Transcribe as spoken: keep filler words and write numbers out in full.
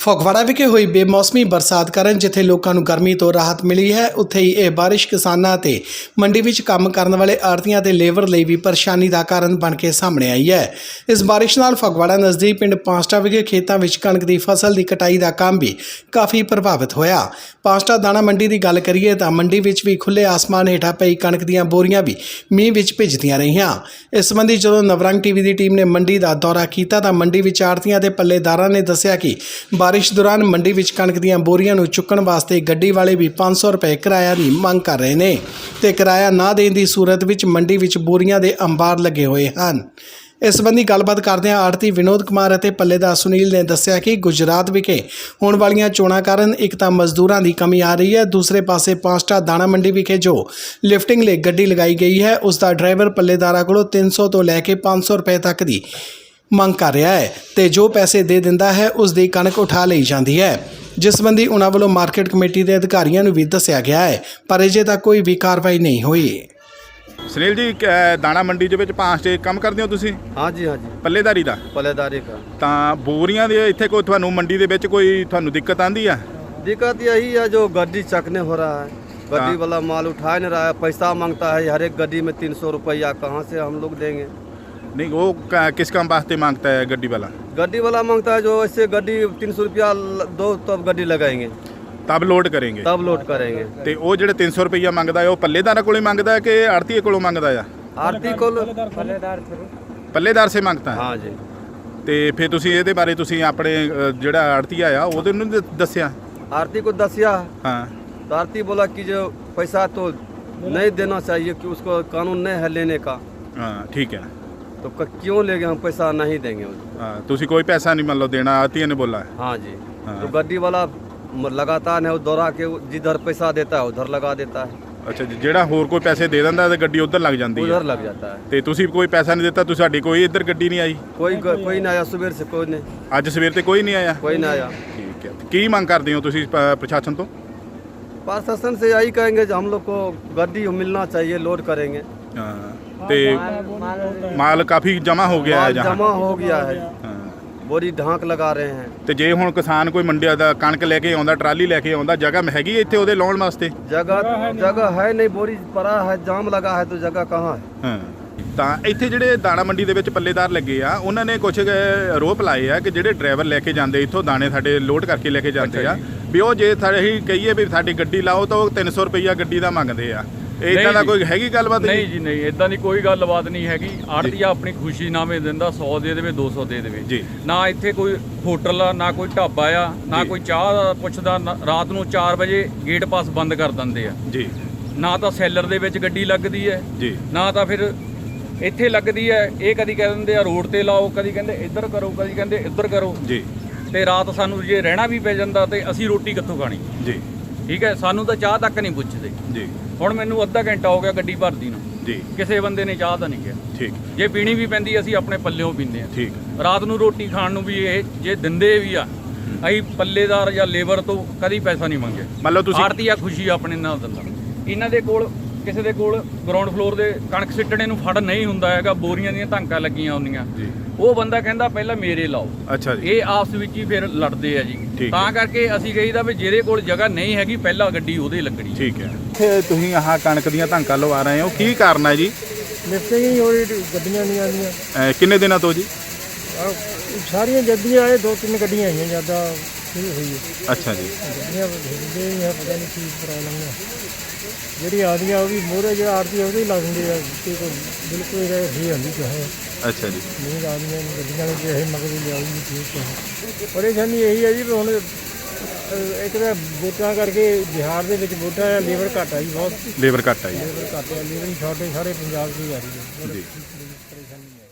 ਫਗਵਾੜਾ ਵਿਖੇ ਹੋਈ ਬੇਮੌਸਮੀ ਬਰਸਾਤ ਕਾਰਨ ਜਿੱਥੇ ਲੋਕਾਂ ਨੂੰ ਗਰਮੀ ਤੋਂ ਰਾਹਤ ਮਿਲੀ ਹੈ, ਉੱਥੇ ਹੀ ਇਹ ਬਾਰਿਸ਼ ਕਿਸਾਨਾਂ ਅਤੇ ਮੰਡੀ ਵਿੱਚ ਕੰਮ ਕਰਨ ਵਾਲੇ ਆੜ੍ਹਤੀਆਂ ਤੇ ਲੇਬਰ ਲਈ ਵੀ ਪਰੇਸ਼ਾਨੀ ਦਾ ਕਾਰਨ ਬਣ ਕੇ ਸਾਹਮਣੇ ਆਈ ਹੈ। ਇਸ ਬਾਰਿਸ਼ ਨਾਲ ਫਗਵਾੜਾ ਨਜ਼ਦੀਕ ਪਿੰਡ ਪਾਂਸਟਾ ਵਿਖੇ ਖੇਤਾਂ ਵਿੱਚ ਕਣਕ ਦੀ ਫਸਲ ਦੀ ਕਟਾਈ ਦਾ ਕੰਮ ਵੀ ਕਾਫੀ ਪ੍ਰਭਾਵਿਤ ਹੋਇਆ। ਪਾਂਸਟਾ ਦਾਣਾ ਮੰਡੀ ਦੀ ਗੱਲ ਕਰੀਏ ਤਾਂ ਮੰਡੀ ਵਿੱਚ ਵੀ ਖੁੱਲੇ ਆਸਮਾਨ ਹੇਠਾਂ ਪਈ ਕਣਕ ਦੀਆਂ ਬੋਰੀਆਂ ਵੀ ਮੀਂਹ ਵਿੱਚ ਭਿੱਜਦੀਆਂ ਰਹੀਆਂ। ਇਸ ਸੰਬੰਧੀ ਜਦੋਂ ਨਵਰੰਗ ਟੀਵੀ ਦੀ ਟੀਮ ਨੇ ਮੰਡੀ ਦਾ ਦੌਰਾ ਕੀਤਾ ਤਾਂ ਮੰਡੀ ਵਿੱਚ ਆੜ੍ਹਤੀਆਂ ਤੇ ਪੱਲੇਦਾਰਾਂ ਨੇ ਦੱਸਿਆ ਕਿ ਬਾਰਿਸ਼ ਦੌਰਾਨ ਮੰਡੀ ਵਿੱਚ ਕਣਕ ਦੀਆਂ ਬੋਰੀਆਂ ਨੂੰ ਚੁੱਕਣ ਵਾਸਤੇ ਗੱਡੀ ਵਾਲੇ ਵੀ ਪੰਜ ਸੌ ਰੁਪਏ ਕਿਰਾਇਆ ਦੀ ਮੰਗ ਕਰ ਰਹੇ ਨੇ ਤੇ ਕਿਰਾਇਆ ਨਾ ਦੇਣ ਦੀ ਸੂਰਤ ਵਿੱਚ ਮੰਡੀ ਵਿੱਚ ਬੋਰੀਆਂ ਦੇ ਅੰਬਾਰ ਲੱਗੇ ਹੋਏ ਹਨ। ਇਸ ਸੰਬੰਧੀ ਗੱਲਬਾਤ ਕਰਦਿਆਂ ਆੜ੍ਹਤੀ ਵਿਨੋਦ ਕੁਮਾਰ ਅਤੇ ਪੱਲੇਦਾਰ ਸੁਨੀਲ ਨੇ ਦੱਸਿਆ ਕਿ ਗੁਜਰਾਤ ਵਿਖੇ ਹੋਣ ਵਾਲੀਆਂ ਚੋਣਾਂ ਕਾਰਨ ਇੱਕ ਤਾਂ ਮਜ਼ਦੂਰਾਂ ਦੀ ਕਮੀ ਆ ਰਹੀ ਹੈ, ਦੂਸਰੇ ਪਾਸੇ ਪਾਂਸਟਾ ਦਾਣਾ ਮੰਡੀ ਵਿਖੇ ਜੋ ਲਿਫਟਿੰਗ ਲਈ ਗੱਡੀ ਲਗਾਈ ਗਈ ਹੈ ਉਸ ਦਾ ਡਰਾਈਵਰ ਪੱਲੇਦਾਰਾਂ ਕੋਲੋਂ ਤਿੰਨ ਸੌ ਤੋਂ ਲੈ ਕੇ ਪੰਜ ਸੌ ਰੁਪਏ ਤੱਕ ਦੀ ਮੰਗ ਕਰ ਰਿਹਾ ਹੈ ਤੇ ਜੋ ਪੈਸੇ ਦੇ ਦਿੰਦਾ ਹੈ ਉਸ ਦੀ ਕਣਕ ਉਠਾ ਲਈ ਜਾਂਦੀ ਹੈ, ਜਿਸ ਸੰਬੰਧੀ ਉਹਨਾਂ ਵੱਲੋਂ ਮਾਰਕੀਟ ਕਮੇਟੀ ਦੇ ਅਧਿਕਾਰੀਆਂ ਨੂੰ ਵੀ ਦੱਸਿਆ ਗਿਆ ਹੈ, ਪਰ ਅਜੇ ਤੱਕ ਕੋਈ ਵੀ ਕਾਰਵਾਈ ਨਹੀਂ ਹੋਈ। ਸੁਨੀਲ ਜੀ, ਦਾਣਾ ਮੰਡੀ ਦੇ ਵਿੱਚ ਪਾਂਸਟੇ ਕੰਮ ਕਰਦੇ ਹੋ ਤੁਸੀਂ? हाँ जी हाँ जी ਪੱਲੇਦਾਰੀ ਦਾ। पल्लेदारी का ਤਾਂ ਬੋਰੀਆਂ ਦੇ ਇੱਥੇ ਕੋਈ ਤੁਹਾਨੂੰ ਮੰਡੀ ਦੇ ਵਿੱਚ ਕੋਈ ਤੁਹਾਨੂੰ ਦਿੱਕਤ ਆਂਦੀ ਆ? दिक्कत यही है जो गड्डी चकने हो रहा है, गड्डी हाँ। वाला माल उठा नहीं रहा है, पैसा मांगता है हर एक गड्डी में तीन सौ रुपया, कहाँ से हम लोग देंगे? नहीं, वो क- किस काम वास्ते मांगता है गड्डी वाला? गड्डी वाला मांगता है जो ऐसे गड्डी तीन सौ रुपया दो तब गड्डी लगाएंगे तब लोड करेंगे तब लोड करेंगे। ਤੇ ਉਹ ਜਿਹੜੇ ਤਿੰਨ ਸੌ ਰੁਪਈਆ ਮੰਗਦਾ ਹੈ ਉਹ ਪੱਲੇਦਾਰਾਂ ਕੋਲੋਂ ਮੰਗਦਾ ਹੈ ਕਿ ਆੜ੍ਹਤੀਏ ਕੋਲੋਂ ਮੰਗਦਾ ਆ? आरती को ਪੱਲੇਦਾਰ ਸੇ ਮੰਗਦਾ ਹੈ। हाँ जी ਤੇ ਫਿਰ ਤੁਸੀਂ ਇਹਦੇ ਬਾਰੇ ਤੁਸੀਂ ਆਪਣੇ ਅ, ਜਿਹੜਾ ਆੜ੍ਹਤੀਆ ਆ ਉਹਦੇ ਨੂੰ ਦ- ਦੱਸਿਆ? आरती को दसिया हाँ तो आरती बोला कि जो पैसा तो नहीं देना चाहिए कि उसको कानून नहीं है लेने का, हाँ ठीक है। तो क- क्यों लेंगे हम, पैसा नहीं देंगे उसको। हाँ, ਤੁਸੀਂ ਕੋਈ ਪੈਸਾ नहीं मतलब देना, आड़्हतिये ने बोला है। हाँ जी हाँ। तो गड्डी वाला म- लगातार है वो दौड़ा के जिधर पैसा देता है उधर लगा देता है, ਅੱਛਾ ਜੀ, ਜਿਹੜਾ ਹੋਰ ਕੋਈ ਪੈਸੇ ਦੇ ਦਿੰਦਾ ਤੇ ਗੱਡੀ ਉਧਰ ਲੱਗ ਜਾਂਦੀ ਹੈ उधर लग जाता है। ਤੇ ਤੁਸੀਂ ਕੋਈ ਪੈਸਾ ਨਹੀਂ ਦਿੱਤਾ, ਤੁਸੀਂ ਸਾਡੀ ਕੋਈ ਇੱਧਰ ਗੱਡੀ ਨਹੀਂ ਆਈ? कोई कोई नहीं आया सुबह से, कोई नहीं ਅੱਜ ਸਵੇਰ ਤੇ ਕੋਈ ਨਹੀਂ ਆਇਆ? कोई नहीं आया। ਠੀਕ ਹੈ। ਕੀ ਮੰਗ ਕਰਦੇ ਹੋ ਤੁਸੀਂ ਪ- ਪ੍ਰਸ਼ਾਸਨ ਤੋਂ? प्रशासन से यही कहेंगे जो हम लोग को गड्डी मिलना चाहिए, लोड करेंगे। ਹਾਂ ਤੇ ਮਾਲ ਕਾਫੀ ਜਮਾ ਹੋ ਗਿਆ ਹੈ माल ਜਹਾਂ। जमा हो गया है, ਹਾਂ बोरी ढांक लगा रहे हैं। ਤੇ ਜੇ ਹੁਣ ਕਿਸਾਨ ਕੋਈ ਮੰਡੀ ਦਾ ਕਣਕ ਲੈ ਕੇ ਆਉਂਦਾ, ਟਰਾਲੀ ਲੈ ਕੇ ਆਉਂਦਾ, ਜਗ੍ਹਾ ਹੈਗੀ ਹੈ ਇੱਥੇ ਉਹਦੇ ਲਾਉਣ ਵਾਸਤੇ? जगह जगह है नहीं, बोरी पड़ा है, जाम लगा है, तो जगह कहाँ है? ਹਾਂ ਤਾਂ ਇੱਥੇ ਜਿਹੜੇ ਦਾਣਾ ਮੰਡੀ ਦੇ ਵਿੱਚ ਪੱਲੇਦਾਰ ਲੱਗੇ ਆ ਉਹਨਾਂ ਨੇ ਕੁਝ ਆਰੋਪ ਲਾਏ ਆ ਕਿ ਜਿਹੜੇ ਡਰਾਈਵਰ ਲੈ ਕੇ ਜਾਂਦੇ ਇੱਥੋਂ ਦਾਣੇ ਸਾਡੇ ਲੋਡ ਕਰਕੇ ਲੈ ਕੇ ਜਾਂਦੇ ਆ ਵੀ ਉਹ ਜੇ ਸਾਡੇ ਹੀ ਕਹੀਏ ਵੀ ਸਾਡੀ ਗੱਡੀ ਲਾਓ ਤਾਂ ਉਹ ਤਿੰਨ ਸੌ ਰੁਪਈਆ ਗੱਡੀ ਦਾ ਮੰਗਦੇ ਆ। ਇਦਾਂ ਦਾ ਕੋਈ ਹੈਗੀ ਗੱਲਬਾਤ? ਨਹੀਂ ਜੀ ਨਹੀਂ, ਇਦਾਂ ਦੀ ਕੋਈ ਗੱਲਬਾਤ ਨਹੀਂ ਹੈਗੀ। ਆੜ੍ਹਤੀਆ ਆਪਣੀ ਖੁਸ਼ੀ ਨਾਮੇ ਦਿੰਦਾ, ਸੌ ਦੇ ਦੇਵੇ ਦੋ ਸੌ ਦੇ ਦੇਵੇ ਜੀ। ਨਾ ਇੱਥੇ ਕੋਈ ਹੋਟਲ ਆ, ਨਾ ਕੋਈ ਢਾਬਾ ਆ, ਨਾ ਜੀ। ਕੋਈ ਚਾਹ ਦਾ ਪੁੱਛਦਾ। ਨਾ- ਰਾਤ ਨੂੰ ਚਾਰ ਵਜੇ ਗੇਟ ਪਾਸ ਬੰਦ ਕਰ ਦਿੰਦੇ ਆ। ਜੀ ਨਾ ਤਾਂ ਸੈਲਰ ਦੇ ਵਿੱਚ ਗੱਡੀ ਲੱਗਦੀ ਹੈ, ਜੀ ਨਾ ਤਾਂ ਫਿਰ ਇੱਥੇ ਲੱਗਦੀ ਹੈ। ਇਹ ਕਦੀ ਕਹਿ ਦਿੰਦੇ ਆ ਰੋਡ ਤੇ ਲਾਓ, ਕਦੀ ਕਹਿੰਦੇ ਇੱਧਰ ਕਰੋ, ਕਦੀ ਕਹਿੰਦੇ ਇੱਧਰ ਕਰੋ। ਜੀ ਤੇ ਰਾਤ ਸਾਨੂੰ ਜੇ ਰਹਿਣਾ ਵੀ ਪੈ ਜਾਂਦਾ ਤੇ ਅਸੀਂ ਰੋਟੀ ਕਿੱਥੋਂ ਖਾਣੀ? ਜੀ ਠੀਕ ਹੈ, ਸਾਨੂੰ ਤਾਂ ਚਾਹ ਤੱਕ ਨਹੀਂ ਪੁੱਛਦੇ। ਜੀ ਹੁਣ ਮੈਨੂੰ ਅੱਧਾ ਘੰਟਾ ਹੋ ਗਿਆ ਗੱਡੀ ਭਰਦੀ ਨੂੰ, ਜੀ ਕਿਸੇ ਬੰਦੇ ਨੇ ਚਾਹ ਤਾਂ ਨਹੀਂ ਕਿਹਾ। ਠੀਕ ਜੇ ਪੀਣੀ ਵੀ ਪੈਂਦੀ ਅਸੀਂ ਆਪਣੇ ਪੱਲਿਓਂ ਪੀਂਦੇ ਆ। ਠੀਕ ਰਾਤ ਨੂੰ ਰੋਟੀ ਖਾਣ ਨੂੰ ਵੀ ਇਹ ਜੇ ਦਿੰਦੇ ਵੀ ਆ, ਅਸੀਂ ਪੱਲੇਦਾਰ ਜਾਂ ਲੇਬਰ ਤੋਂ ਕਦੀ ਪੈਸਾ ਨਹੀਂ ਮੰਗਿਆ। ਮੰਨ ਲਓ ਤੁਸੀਂ ਆੜ੍ਹਤੀਆ ਖੁਸ਼ੀ ਆਪਣੇ ਨਾਲ ਦਿੰਦਾ। ਇਹਨਾਂ ਦੇ ਕੋਲ ਕਿਸੇ ਦੇ ਕੋਲ ਗਰਾਊਂਡ ਫਲੋਰ ਦੇ ਕਣਕ ਸਿੱਟਣੇ ਨੂੰ ਫੜ ਨਹੀਂ ਹੁੰਦਾ ਹੈਗਾ, ਬੋਰੀਆਂ ਦੀਆਂ ਧਾਂਕਾਂ ਲੱਗੀਆਂ ਹੁੰਦੀਆਂ। ਜੀ ਉਹ ਬੰਦਾ ਕਹਿੰਦਾ ਪਹਿਲਾਂ ਮੇਰੇ ਲਾਓ। ਅੱਛਾ ਜੀ ਇਹ ਆਪਸ ਵਿੱਚ ਹੀ ਫਿਰ ਲੜਦੇ ਆ ਜੀ। ਠੀਕ ਤਾਂ ਹੈ। ਕਰਕੇ ਅਸੀਂ ਕਹੀਦਾ ਵੀ ਜਿਹਦੇ ਕੋਲ ਜਗ੍ਹਾ ਨਹੀਂ ਹੈਗੀ ਪਹਿਲਾਂ ਗੱਡੀ ਉਹਦੇ ਲੱਗਣੀ। ਠੀਕ ਹੈ। ਇੱਥੇ ਤੁਸੀਂ ਆਹ ਕਣਕ ਦੀਆਂ ਧਾਂਕਾਂ ਲਵਾ ਰਹੇ ਹੋ, ਕੀ ਕਾਰਨ ਹੈ ਜੀ? ਲਿਫਟਿੰਗ ਹੀ ਹੋ ਰਹੀ ਗੱਡੀਆਂ ਨਹੀਂ ਆਉਂਦੀਆਂ। ਅਹ ਕਿੰਨੇ ਦਿਨਾਂ ਤੋਂ ਜੀ? ਆਹ ਸਾਰੀਆਂ ਜੱਦੀਆਂ ਆਏ, ਦੋ ਤਿੰਨ ਗੱਡੀਆਂ ਆਈਆਂ ਜ਼ਿਆਦਾ ਸ਼ੁਰੂ ਹੋਈ ਹੈ। ਅੱਛਾ ਜੀ। ਗੱਡੀਆਂ ਹਿੱਲਦੇ ਨਹੀਂ ਹੈ, ਪਤਾ ਨਹੀਂ ਕੀ ਪ੍ਰੋਬਲਮ ਹੈ। ਜਿਹੜੀ ਆਉਂਦੀਆਂ ਉਹ ਵੀ ਮੋਹਰੇ ਜਿਹੜਾ ਆੜਤੀ ਉਹਦੇ ਹੀ ਲਾ ਦਿੰਦੇ ਆ ਕਿ ਕੋਈ ਬਿਲਕੁਲ ਇਹ ਫਰੀ ਹੁੰਦੀ ਚਾਹੇ ਅੱਛਾ ਜੀ। ਨਹੀਂ ਆਉਂਦੀਆਂ ਗੱਡੀਆਂ ਨੂੰ ਜੇ ਇਹ ਮਗਰ ਲਿਆਉਗੀ ਠੀਕ ਹੈ। ਪਰੇਸ਼ਾਨੀ ਇਹੀ ਹੈ ਜੀ ਵੀ ਹੁਣ ਅਹ, ਇੱਕ ਤਾਂ ਵੋਟਾਂ ਕਰਕੇ ਬਿਹਾਰ ਦੇ ਵਿੱਚ ਵੋਟਾਂ ਆ, ਲੇਬਰ ਘੱਟ ਆ ਜੀ, ਬਹੁਤ ਲੇਬਰ ਘੱਟ ਆਈ ਲੇਬਰ ਘੱਟ ਆ, ਲੇਬਰ ਹੀ ਸ਼ਾਰਟੇਜ ਸਾਰੇ ਪੰਜਾਬ 'ਚ ਹੀ ਆ ਰਹੀ ਹੈ। ਜੀ। ਪਰੇਸ਼ਾਨੀ ਹੈ।